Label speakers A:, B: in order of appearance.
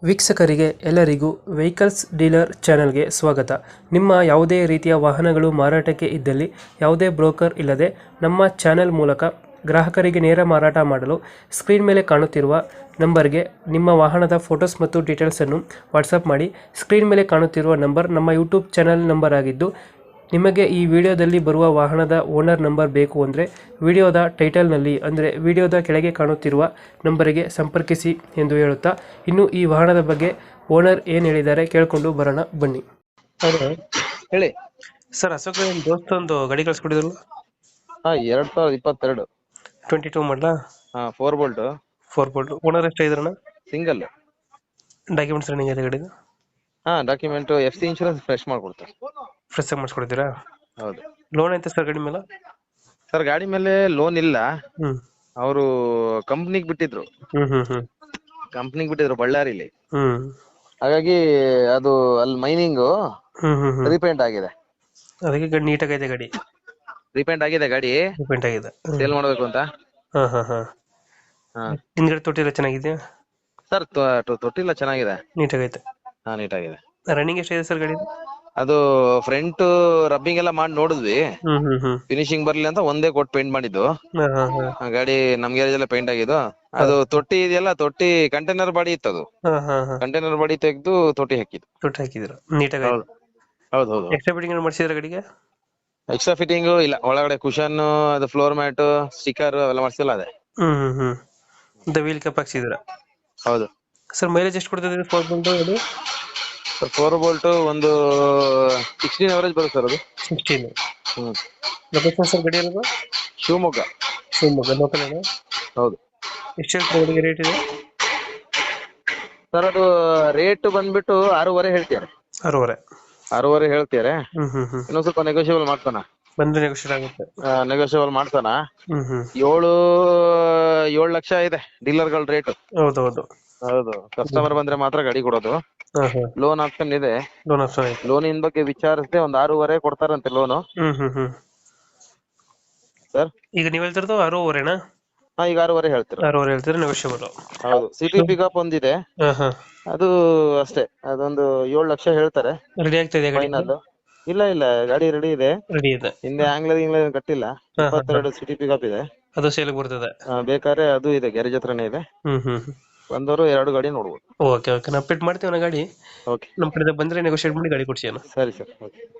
A: ವೀಕ್ಷಕರಿಗೆ ಎಲ್ಲರಿಗೂ vehicles dealer ಚಾನೆಲ್ಗೆ ಸ್ವಾಗತ. ನಿಮ್ಮ ಯಾವುದೇ ರೀತಿಯ ವಾಹನಗಳು ಮಾರಾಟಕ್ಕೆ ಇದ್ದಲ್ಲಿ ಯಾವುದೇ ಬ್ರೋಕರ್ ಇಲ್ಲದೆ ನಮ್ಮ ಚಾನೆಲ್ ಮೂಲಕ ಗ್ರಾಹಕರಿಗೆ ನೇರ ಮಾರಾಟ ಮಾಡಲು ಸ್ಕ್ರೀನ್ ಮೇಲೆ ಕಾಣುತ್ತಿರುವ ನಂಬರ್ಗೆ ನಿಮ್ಮ ವಾಹನದ ಫೋಟೋಸ್ ಮತ್ತು ಡೀಟೇಲ್ಸನ್ನು ವಾಟ್ಸಪ್ ಮಾಡಿ. ಸ್ಕ್ರೀನ್ ಮೇಲೆ ಕಾಣುತ್ತಿರುವ ನಂಬರ್ ನಮ್ಮ ಯೂಟ್ಯೂಬ್ ಚಾನೆಲ್ ನಂಬರ್ ಆಗಿದ್ದು, ನಿಮಗೆ ಈ ವಿಡಿಯೋದಲ್ಲಿ ಬರುವ ವಾಹನದ ಓನರ್ ನಂಬರ್ ಬೇಕು ಅಂದರೆ ವಿಡಿಯೋದ ಟೈಟಲ್ನಲ್ಲಿ ಅಂದರೆ ವಿಡಿಯೋದ ಕೆಳಗೆ ಕಾಣುತ್ತಿರುವ ನಂಬರಿಗೆ ಸಂಪರ್ಕಿಸಿ ಎಂದು ಹೇಳುತ್ತಾ, ಇನ್ನು ಈ ವಾಹನದ ಬಗ್ಗೆ ಓನರ್ ಏನು ಹೇಳಿದ್ದಾರೆ ಕೇಳಿಕೊಂಡು ಬರೋಣ ಬನ್ನಿ. ಹೌದಾ
B: ಹೇಳಿ
A: ಸರ್, ಅಶೋಕ್ ನಿಮ್ಮ ದೋಸ್ತ ಒಂದು ಗಾಡಿ ಕಳಿಸ್ಕೊಡಿದ್ರಲ್ಲ,
B: ಹಾ 2022
A: 22 ಮಾಡಲಾ,
B: 4 ಬೋಲ್ಟ್
A: 4 ಬೋಲ್ಟ್. ಓನರ್ ಎಷ್ಟು ಇದ್ರಣ್ಣ?
B: ಸಿಂಗಲ್.
A: ಡಾಕ್ಯುಮೆಂಟ್ಸ್ ರನ್ನಿಂಗ್ ಇದೆ ಗಾಡಿದು?
B: ಡಾಕ್ಯುಮೆಂಟ್ FC ಇನ್ಶೂರೆನ್ಸ್ ಫ್ರೆಶ್ ಮಾಡ್ಕೊಡ್ತಾರೆ.
A: ಫ್ರೆಶ್ ಆಗಿ ಮಾಡಿಸ್ಕೊಡ್ತೀರಾ?
B: ಹೌದು
A: ಲೋನ್ ಐತೆ ಸರ್ ಗಾಡಿ ಮೇಲೆ?
B: ಸರ್, ಗಾಡಿ ಮೇಲೆ ಲೋನ್ ಇಲ್ಲ.
A: ಹ್ಮ್
B: ಅವರು ಕಂಪ್ನಿಗೆ ಬಿಟ್ಟಿದ್ರು
A: ಹ್ಮ್ ಹ್ಮ್ ಹ್ಮ್
B: ಬಳ್ಳಾರಿಲಿ.
A: ಹ್ಮ್
B: ಹಾಗಾಗಿ ಅದು ಅಲ್ಲಿ ಮೈನಿಂಗ್
A: ಹ್ಮ್ ಹ್ಮ್ ಹ್ಮ್
B: ರೀಪೇಂಟ್ ಆಗಿದೆ.
A: ಅದಕ್ಕೆ ಗಾಡಿ ನೀಟಾಗೈತೆ. ಗಾಡಿ
B: ರೀಪೇಂಟ್ ಆಗಿದೆ ಗಾಡಿ,
A: ರಿಪೇಂಟ್ ಆಗಿದೆ.
B: ಸೇಲ್ ಮಾಡ್ಬೇಕು ಅಂತ.
A: ಹಾ ಹಾ ಹಾ.
B: ಹಾ
A: ಹಿಂದ್ಗಡೆ ತೊಟ್ಟಿಲ್ಲ ಚೆನ್ನಾಗಿದೆಯಾ?
B: ಸರ್, ತೊಟ್ಟಿಲ್ಲ ಚೆನ್ನಾಗಿದೆ.
A: ನೀಟಾಗೈತೆ.
B: ನೀಟಾಗಿದೆ.
A: ರನ್ನಿಂಗ್ ಎಷ್ಟಿದೆ ಸರ್ ಗಾಡಿ?
B: ಅದು ಫ್ರಂಟ್ ರಬ್ಬಿಂಗ್ ಎಲ್ಲ ಮಾಡಿ ನೋಡಿದ್ವಿ,
A: ಹ್ಮ್ ಹ್ಮ್ ಹ್ಮ್.
B: ಫಿನಿಶಿಂಗ್ ಬರ್ಲಿ ಅಂತ ಒಂದೇ ಕೋಟ್ ಪೇಂಟ್ ಮಾಡಿದ್ದು.
A: ಹಾ ಹಾ ಹಾ.
B: ಗಾಡಿ ನಮ್ ಗ್ಯಾರೇಜ್ ಎಲ್ಲ ಪೇಂಟ್ ಆಗಿದ್ದು. ಅದು ತೊಟ್ಟಿ ಇದೆಯಲ್ಲ, ತೊಟ್ಟಿ ಕಂಟೈನರ್ ಬಾಡಿ ಇತ್ತು. ಅದು
A: ಹಾ ಹಾ ಹಾ.
B: ಕಂಟೈನರ್ ಬಾಡಿ ತೆಗೆದು ತೊಟ್ಟಿ ಹಾಕಿದ್ದು.
A: ತೊಟ್ಟಿ ಹಾಕಿದ್ರು, ನೀಟಾಗೈತೆ.
B: ಹೌದು ಹೌದು ಹೌದು.
A: ಎಕ್ಸ್ಟ್ರಾ ಫಿಟ್ಟಿಂಗ್ ಮಾಡಿಸಿದ್ರೆ ಗಾಡಿಗೆ?
B: ಎಕ್ಸ್ಟ್ರಾ ಫಿಟ್ಟಿಂಗ್ ಇಲ್ಲ, ಒಳಗಡೆ ಕುಶನ್, ಅದು ಫ್ಲೋರ್ ಮ್ಯಾಟ್, ಸ್ಟಿಕ್ಕರ್ ಅವೆಲ್ಲ ಮಾಡ್ಸಿಲ್ಲ ಅದೇ.
A: ಹ್ಮ್ ಹ್ಮ್ ಹ್ಮ್. ಮತ್ತೆ ವೀಲ್ ಕಪ್ ಹಾಕ್ಸಿದ್ರ?
B: ಹೌದು
A: ಸರ್, ಮೈಲೇಜ್ ಎಷ್ಟು ಕೊಡ್ತದೆ 4 ಬೋಲ್ಟ್ ಗಾಡಿ?
B: ಸರ್, 4 ಬೋಲ್ಟ್ ಒಂದು 16 ಅವರೇಜ್ ಬರುತ್ತೆ ಸರ್ ಅದು.
A: 16.
B: ಹ್ಮ್.
A: ಲೊಕೇಶನ್ ಸರ್ ಗಾಡಿ ಇರೋದು?
B: ಶಿವಮೊಗ್ಗ.
A: ಶಿವಮೊಗ್ಗ ಲೋಕಲ್?
B: ಹೌದು.
A: ಎಷ್ಟು ಹೇಳ್ತಾರೆ ಗಾಡಿಗೆ ರೇಟ್ ಇದೆ?
B: ಸರ್, ಅದು ರೇಟ್ ಬಂದ್ಬಿಟ್ಟು 6.5 ಹೇಳ್ತಾರೆ.
A: 6.5?
B: 6.5 ಹೇಳ್ತಾರೆ.
A: ಹ್ಮ್ ಹ್ಮ್ ಹ್ಮ್.
B: ಇನ್ನೊಂದ್ ಸ್ವಲ್ಪ ನೆಗೋಷಿಯಬಲ್ ಮಾಡ್ತಾನ.
A: ಬಂದ್ರೆ ನೆಗೋಷಿಯೇಟ್ ಆಗುತ್ತೆ.
B: ನೆಗೋಷಿಯಬಲ್ ಮಾಡ್ತಾನ.
A: ಹ್ಮ್ ಹ್ಮ್.
B: 7 ಲಕ್ಷ ಇದೆ ಡೀಲರ್ಗಳ ರೇಟ್.
A: ಹೌದೌದು.
B: ಹೌದು, ಕಸ್ಟಮರ್ ಬಂದ್ರೆ ಮಾತ್ರ ಗಾಡಿ ಕೊಡೋದು.
A: ಹಾ ಹಾ.
B: ಲೋನ್ ಆಪ್ಷನ್ ಇದೆ.
A: ಲೋನ್ ಆಪ್ಷನ್ ಐತೆ.
B: ಲೋನಿನ ಬಗ್ಗೆ ವಿಚಾರಿಸದೆ ಒಂದು 6.5 ಕೊಡ್ತಾರಂತೆ ಲೋನು.
A: ಹ್ಮ್ ಹ್ಮ್ ಹ್ಮ್.
B: ಸರ್,
A: ಈಗ ನೀವ್ ಹೇಳ್ತಿರೋದು 6.5ನಾ?
B: ಈಗ 6.5 ಹೇಳ್ತೀರ.
A: 6.5 ಹೇಳ್ತೀರಾ, ನೆಗೋಷಿಯಬಲ್?
B: ಹೌದು. ಸಿಟಿ ಪಿಕಪ್ ಒಂದಿದೆ,
A: ಹಾ ಹಾ.
B: ಅದು ಅಷ್ಟೇ, ಅದೊಂದು 7 ಲಕ್ಷ ಹೇಳ್ತಾರೆ
A: ರೆಡಿ ಆಗ್ತಾ ಇದೆ ಗಾಡಿ?
B: ಫೈನಲ್. ಇಲ್ಲ ಇಲ್ಲ, ಗಾಡಿ ರೆಡಿ ಇದೆ.
A: ರೆಡಿ ಇದೆ.
B: ಹಿಂದೆ ಆಂಗ್ಲರ್ ಕಟ್ಟಿಲ್ಲ. 22 ಸಿಟಿ ಪಿಕಪ್ ಇದೆ.
A: ಅದು ಸೇಲ್ಗೆ ಬರ್ತದೆ?
B: ಬೇಕಾದ್ರೆ ಅದು ಇದೆ, ಗ್ಯಾರೇಜ್ ಹತ್ರನೇ ಇದೆ.
A: ಹ್ಮ್ ಹ್ಮ್.
B: ಬಂದವರು 2 ಗಾಡಿ ನೋಡ್ಬೋದು.
A: ಓಕೆ ಓಕೆ, ನಾವು ಪಿಟ್ ಮಾಡ್ತೀವಿ ನಾ ಗಾಡಿ.
B: ಓಕೆ,
A: ನಮ್ಮ ಕಡೆ ಬಂದ್ರೆ ನೆಗೋಷಿಯೇಟ್ ಮಾಡಿ ಗಾಡಿ ಕೊಡ್ಸಿ ಅಣ್ಣ.
B: ಸರಿ ಸರ್. ಓಕೆ.